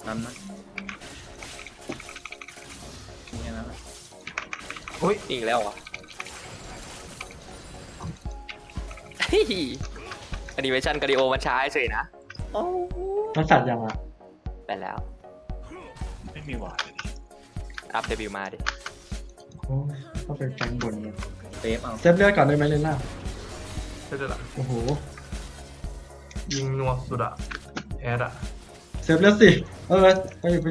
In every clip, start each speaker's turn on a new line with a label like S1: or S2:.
S1: ทันนะนี่นะ
S2: อุ้ย
S3: อีกแล้วเหรอเฮ้ยแอนิเมชันกาดิโอมันช้าเฉยนะ
S4: มันสัตว์ยังอ่ะ
S3: ไปแล้ว
S5: ไม่มีหวานเลย
S3: อัพเดบิวต์มาดิ
S4: โอ้ยก็เป็นแกงบนเนี่ย
S1: เซฟเอา
S4: เซฟเลือดก่อนได้ไหมเลน่า
S2: เสร็จละ
S4: โอ้โห
S2: ยิงนัวสุดอะแอดอะ
S4: เซฟเลือดสิไปอยู่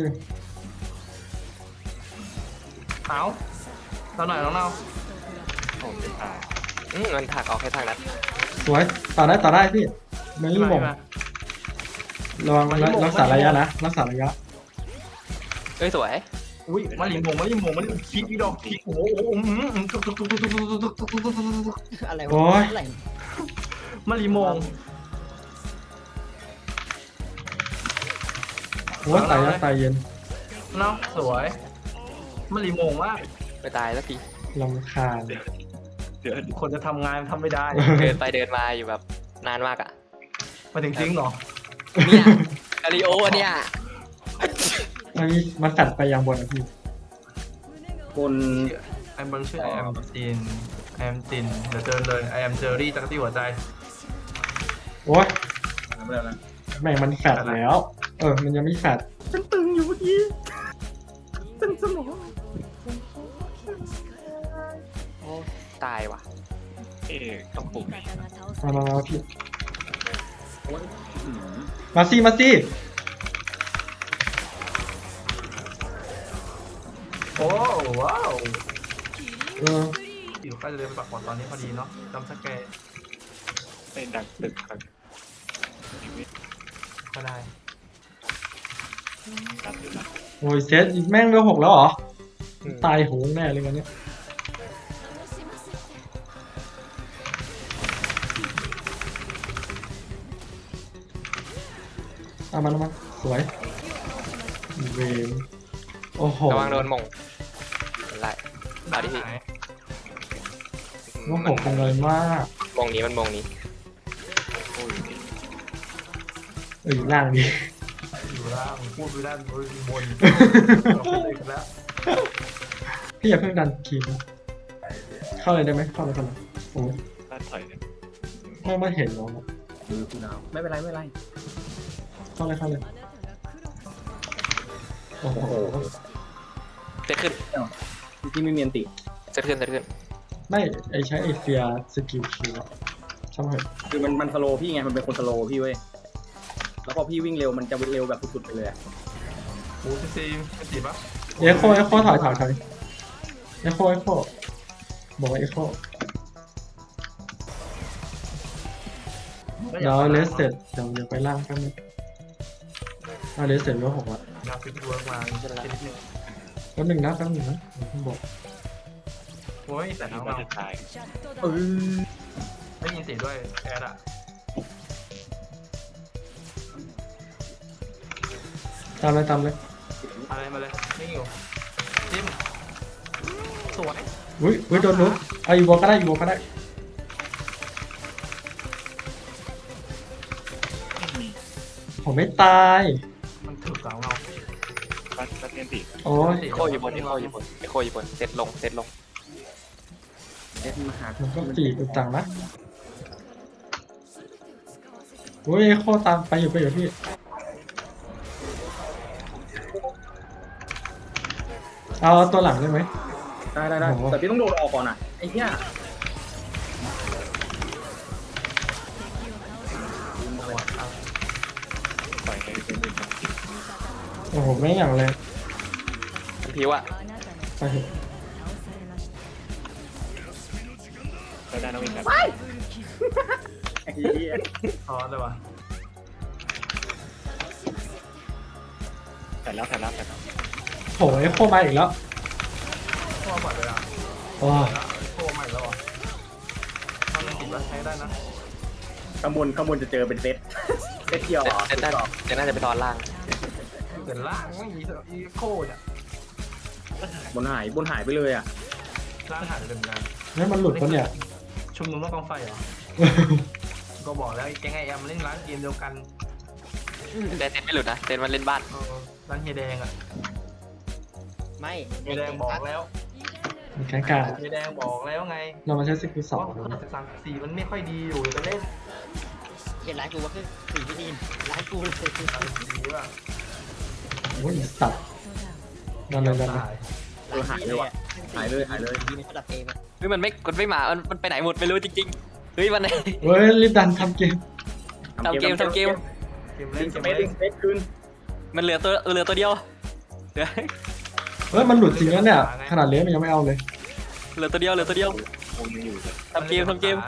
S2: เอาเราหน่อยน้องเรา
S5: โอ้ไม่ตาย
S3: มันถักออกแค่ทางนั้น
S4: สวยต่อได้พี่เมลี่มงระวังรักษาระยะนะรักษาระยะ
S3: เอ้ยสวย
S2: อุ้ยมาลิมงคิดอีดอกคิดโอ้โหทุก
S6: อะไร
S4: โอ้
S6: วะ
S4: ย
S6: อะไร
S2: มาลิมง
S4: โอ้ยตายแล้วตายเย็น
S2: เนาะสวยมาลิมงมาก
S3: ไม่ตายสักที
S4: ลำคาญ
S5: เดี๋ยว
S2: คนจะทำงานทำไม่ได้
S3: เดินไปเดินมาอยู่แบบนานมากอ่ะ
S2: มาถึงทิ้งเหรอ
S3: เนี่ยกาดิโอเนี่ย
S4: มันตัดไปยังบนนะพี่
S1: บน
S2: ไอ้บอลชื่อไอแอมตินเดี๋ยวเจอเลยไอแอมเจอรี่จักรตี้หัวใจ
S4: โอ้ย
S1: ไม่ได้แล้ว
S4: แม่งมันแฟดแล้ว มันยังไม่แฟด
S1: ฉันตึงอยู่เมื่อกี้ตึงสมอง
S3: ตายว่ะ
S5: ต้องปลุกนี่
S4: มาพี่
S1: โอ้ย
S4: มาสิ
S2: โอ้ว้าว
S4: เ
S2: อยู่ใกล้จะเดินไปปักหมดตอนนี้พอดีเนาะจำสแกร์
S5: เป็นดังตึกครับชีวิต
S2: ก็ได้
S5: ตัดอยู่นะ
S4: โอ้ยเซตแม่งเร็ว6แล้วเหรอตายโหงแน่เลยกันเนี้ยเอามันสวยเวมโอ้โห
S3: ระวังโดนหมงอะไรเอาดิพี่
S4: โอ้โหคงเลยมาก
S3: มงนี้มันมงนี้
S5: โอ้ยนี่
S4: อยู่ล่างดี
S2: อยู่ล่างพูดไปด้านบนเราพูดเลยกันแล้ว
S4: พี่อย่าเพิ่งดันคีมนะเข้าเลยได้ไหมเข้าเลยกันเลยโอ้ย
S5: ด้านถอยเนี่ย
S4: ไม่เห็นหรอก
S1: มือคุณดาวไม่เป็นไรไม่เป็นไร
S4: เข้าเลยโอ้โห
S3: เซตขึ้น
S1: ที่ไม่มีอันติ
S3: เซตขึ้น
S4: ไม่ใช้ไอเฟียสกิลคิวอะช่างมันเถอะ
S1: คือมันสโลว์พี่ไงมันเป็นคนสโลว์พี่เว้ยแล้วพอพี่วิ่งเร็วมันจะเร็วแบบสุดๆไปเลยอะ
S2: โอ้ซีไม่ติดปะ
S4: เอโคถอยเอโคบอกว่าเอโคเดี๋ยวเลสเสร็จเดี๋ยวไปล่างกันนึงเลสเสร็จแล้ว6ละ
S2: อยากฟิตเวิร์กมาจะละนิดนึง
S4: แป๊บนึงนะผมบอก
S2: โอ้ยแต่
S5: แต่
S2: น้
S5: ที่
S2: อง
S5: ว่า
S2: เรา
S5: จะตาย
S2: ไม่ยินเสียงด้วยแอดอะ
S4: ตามเลย
S2: อะไรมาเลยไม่อยู่จิ้มสวย
S4: อุ้ยโดนนู้เอาอีโวก็ได้ผมไม่ตาย
S2: มันถึกกับเรา
S5: บ้านเทียนติ
S4: โอ้ย
S3: โคอยู่บนเซตลง
S1: เด็ดมาหา
S4: มันก็ตีอุดตังนะอุ้ยโคตามไปอยู่พี่เอาตัวหลังได้ไหม
S1: ได้
S4: โอ้โห
S1: แต่พี่ต้องโดดออกก่อนอ่ะไอ้เหี้ย
S5: ปล่อยให้เป็นหนึ่ง
S4: โอ้โหไม่อย่างแรง
S3: พิวอะ
S4: ไปเถอะ
S5: ก็ได้ต้องมีแบบ
S1: ไอ้เหี้ย
S2: ซ้อนเลยวะ
S5: แต่แล้ว
S4: โหไอ้โคมาอีกแล้ว
S2: พ่อปล่อยเลยอ่ะ
S4: โอ้
S2: โค้ใหม่แล้วอ่ะถ้ามันติดแล้วใช้ได้นะ
S1: ข้างบนจะเจอเป็นเซตเกี่ยว
S3: เซตน่าจะไปตอนล่าง
S2: แต่ล่างไม่มีอีโคเนี่ย
S1: บนหายไปเลยอ่ะ
S2: ล่างหายไปเลยเหมือนกัน
S4: นี่มันหลุดปะเนี่ย
S2: ชุมนุมต้องกองไฟเหรอ ก็บอกแล้วแก๊งไอแอมเล่นร้านเกมเดียวกัน
S3: แต่เซตไม่หลุดนะเซตมันเล่นบ้าน
S2: เออร้านเฮียแดงอ่ะ
S6: ไม่
S2: เฮียแดงบอกแล้ว
S4: มีแข่งกลาง
S2: เฮียแดงบอกแล้วไง
S4: เรามาใช้สกิลสอง
S2: ว่า13-14มันไม่ค่อยดีอยู่จะเล่น
S6: เห็นร้านกูว่าคือสีพี่ดีนร้านกูเลย
S2: 13-14ป่ะ
S4: โอ้ยสัตว์ดันเลยดันเลย
S6: ร้านพี่เลยอะ
S1: หายเลยหายเลย
S6: ดีในระดับเอมอะ
S3: เฮ้ยมันไม่มามันไปไหนหมดไม่รู้จริงๆเฮ้ยมัน
S4: เฮ้ยรีบดันทำเกม
S3: ทำเกม
S2: เกม
S1: ลิ
S2: เล่น
S1: ง
S2: เก
S1: ส
S2: ม
S1: เปซลิ
S2: เล่
S1: ง
S2: น
S1: สเปซคืน
S3: มันเหลือตัวเดียวเหลือ
S4: เฮ้ยมันหลุดจริงแล้วเนี่ยขนาดเลี้ยงมันยังไม่เอาเลย
S3: เหลือตัวเดียว
S5: คงยังอยู่เลย
S3: ทำเกม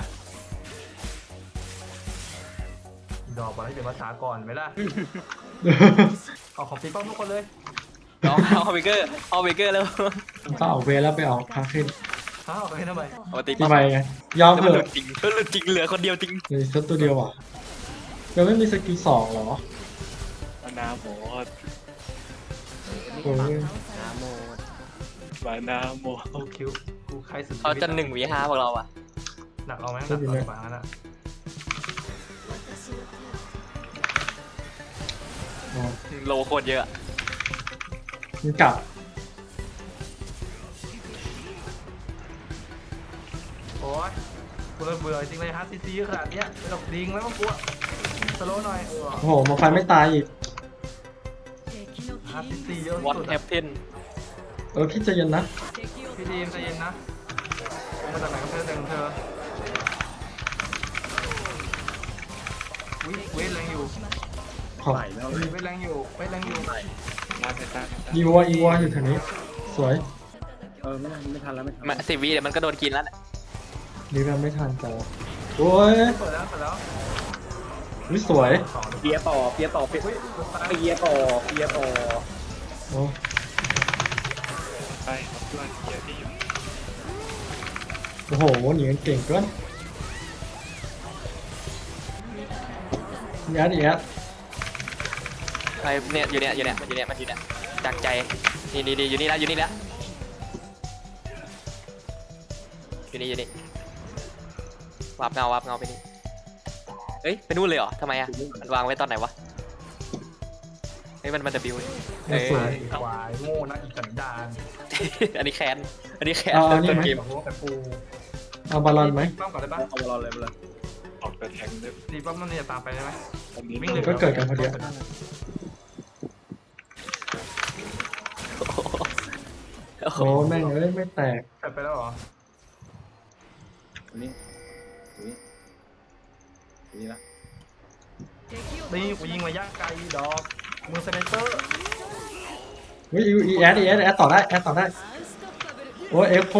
S2: ดอกบอลให้เป็นภาษาก่อนไหมล่ะเอาของปีป้อมทุกคนเลย
S3: เอาเบเกอร์แล้ว
S4: ก็ออกเวรแล้วไปออกคาเฟ่
S2: อ้าวไปทำไม
S3: เอามาตี
S4: ทำไมไงยอม
S3: แล้ว
S4: เถ
S3: มันหลุ
S4: อะ
S3: ดจริงเหลือคนเดียวจริง
S4: เหลยสักตัวเดียวอ่ะยังไม่มีสกิลสองเหรอ
S5: มานาโมด
S4: โอ้ย
S6: นาโมด
S5: มานาโมด
S2: กูคิวกูใครสุด
S3: เขาจะ1v5พวกเราอ่ะ
S2: หนักเอาไหมหนักเอาหมาน่ะ
S4: อ๋อ
S3: โลโคตรเยอะ
S4: มันกลับ
S2: โอ้ยกูเริ่มเบื่อจริงเลยฮาร์ดซีขนาดเนี้ยไม่ต้องดิงแล้วมั้งกูสโลว์หน่อย
S4: โอ้โหมาไฟไม่ตายอีก
S2: ฮาร์ดซีเยอะ
S3: วอต
S2: สุด
S3: แฮปเพน
S4: พี่ใจเย็นนะ
S2: พี่ดีมใจเย็นนะมาจากไหนก็เธอแต่งเธอเวทแรงอยู่
S4: ขอบ
S1: ไหลแล้วเลย
S2: เวทแรงอยู่
S5: ลาเซต้า
S4: อีวออยู่แถวนี้ สวย
S1: ไม่ทันแล้วไม่ทัน
S3: มา10 วิเดี๋ยวมันก็โดนกินแล้ว
S4: ดีแบบไม่ทันแต่ว่าโอ้ย
S2: เปิดแล้ว
S4: วิสวย
S1: เปียต่อเปียต่อเปียต่อ
S4: โอ้
S5: ไปครับเพื่อนเกียร์ที่อยู่
S4: โอ้โหหนีกันเก่งเกินยัดอีกแล้ว
S3: ไปเนี่ยอยู่เนี่ยจากใจนี่อยู่นี่แล้วอยู่นี่วาบเงาไปนี่เอ้ยไปนู่นเลยเหรอทำไมอ่ะมันวางไว้ตอนไหนวะเฮ้ยมัน W
S4: สวย
S2: ควายโง่นะอีสันดาน
S3: อันนี้แคนต้นเกม
S2: โง่แต่กู
S4: เอาบอลลอนไหม
S2: ป้อมก่อนได้ปะ
S1: เอาบอลเลยเลย
S5: ออกเดินแทงด้วย
S2: รีป้อมมันจะตามไปได้ไหม
S5: ตอนนี้
S2: วิ่งเลย
S4: ก็เกิดกันพอดี โอ้แม่งเอ้ยไม่แตก
S2: ไปแล้วเหรอ
S1: นี่นี่ละ
S2: นี่กูยิงมาย่างไกลดอกมือสไนเปอร์
S4: เฮ้ยอีแอดต่อได้โอ้ยเอฟโค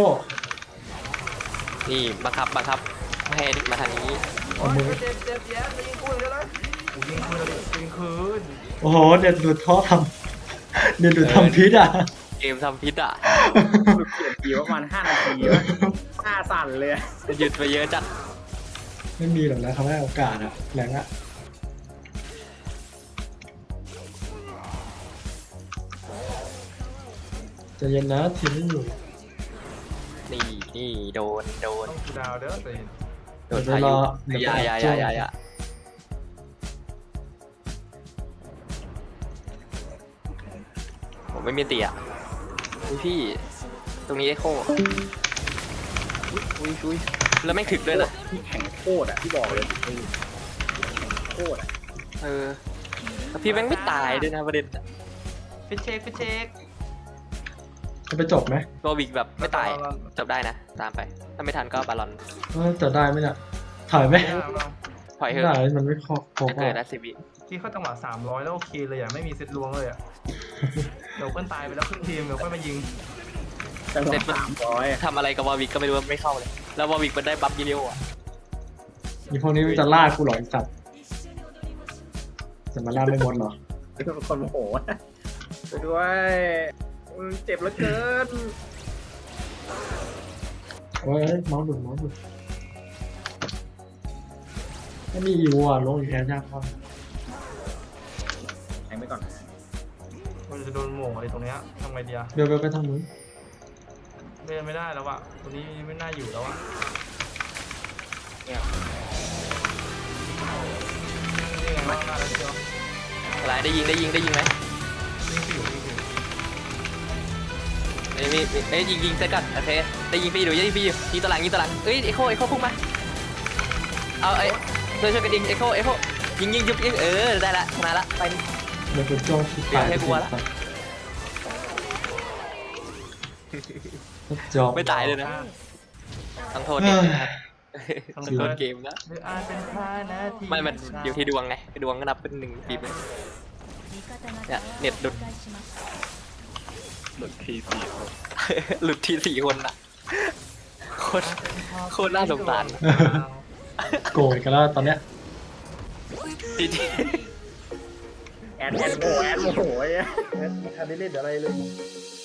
S3: นี่บังคับไม่ให้มาทางนี้
S2: โอ้ยเจ็บแย่ยิงกูเลยนะกูยิงคืนเลยยิงคืน
S4: โอ้โหเด็ดดูดท่อทำเด็ดดูดทำพิษอ่ะ
S3: เกมทำพิษอ่ะ
S1: เปลี่ยนทีประมาณ5 นาทีวะ5 สั่นเลย
S3: หยุดไปเยอะจัด
S4: ไม่มีหรอกนะเขาให้โอกาสอะแรงอะใจะเย็นนะทีมไม่อยู่
S3: นี่โดน
S2: ต้องกูดาวเด้อสิ
S3: โดนพายุอย่าผมไม่มีเตี่ยพี่ตรงนี้ได้โค้อุ้ยแล้วไม่ถึกด้วยนะ
S1: ที่แข่งโคตรอ่ะที่บอกเลยโคตรอ่ะ
S3: แล้วพี่แม่งไม่ตายด้วยนะประเด็น
S2: ฟิชเช็ค
S4: จะไปจบไหม
S3: โรบิกแบบไม่ตายจบได้นะตามไปถ้าไม่ทันก็บาลอน
S4: จะได้ไหมเนี่ยถอยไหม
S3: ถอย
S4: ไม่
S3: เถ
S4: ได้
S3: อะ
S4: มันไม่ครบ
S3: จะเกิดนะ10 วิ
S2: ที่เข้าจังหวะ300แล้วโอเคเลยอ่ะไม่มีเซตลวงเลยอ่ะเดี๋ยวเพื่อนตายไปแล้วครึ่งทีมเดี๋ยวค่อยมายิง
S1: จังหวะ300
S3: ทำอะไรกับวอวิกก็ไม่รู้ไม่เข้าเลย แล้ววอวิกมันได้บัฟยีเดียวอ่ะ
S4: มีพวกนี้มันจะล่ากูหรอไอ้สัตว์จะมาล่าไม่หมดหรอ
S1: เป็นคนโมโหไปด้วยเจ็บเหลือเกิน
S4: โอ้ยเมาส์หลุดถ้ามีอีวัวลงอีกแค่ยากมาก
S1: แทงไปก่อน
S2: มันจะโดนโหม่งอะไรตรงเนี้ยทำไงดีอะ
S4: เดี๋ยวไปทางนู้น
S2: เล่นไม่ได้แล้วอะตัวนี้ไม่น่าอยู่แล้วอะ
S5: เนี่ย
S2: นี่ไงว่าแล้วเชียว
S3: อะไรได้ยิงไหม
S2: ยิง
S3: เอ้ยยิงเซตก่อนโอเคได้ยิงฟรีอยู่ยิงฟรีอยู่ยิงตะหลังเอ้ยเอ็กโคพุ่งมาเอาเอ้ยช่วยกันยิงเอ็กโคยิงยุบยิงได้ละชนะละไป
S4: เดี๋ยวคุณโจ้คิดตาย
S3: ให้กลัวละ
S4: จอบ
S3: ไม่ตายเลยนะต้องโทษ
S4: เฮ้ย
S3: ต้องโทษเกมนะ
S2: หรืออาจเป็นท่านาที
S3: ไม่มันอยู่ที่ดวงไงดวงก็นับเป็น1ปีเลยเนี่ยเน็ตหลุด
S5: หลุดทีสี่คน
S3: หลุดที4 คนอะโคตรน่าสงสาร
S4: โกรธกันแล้วตอนเนี้ย
S3: ที
S1: แอนโมโหไอ้ไม่ทันได้เล่นอะไรเลย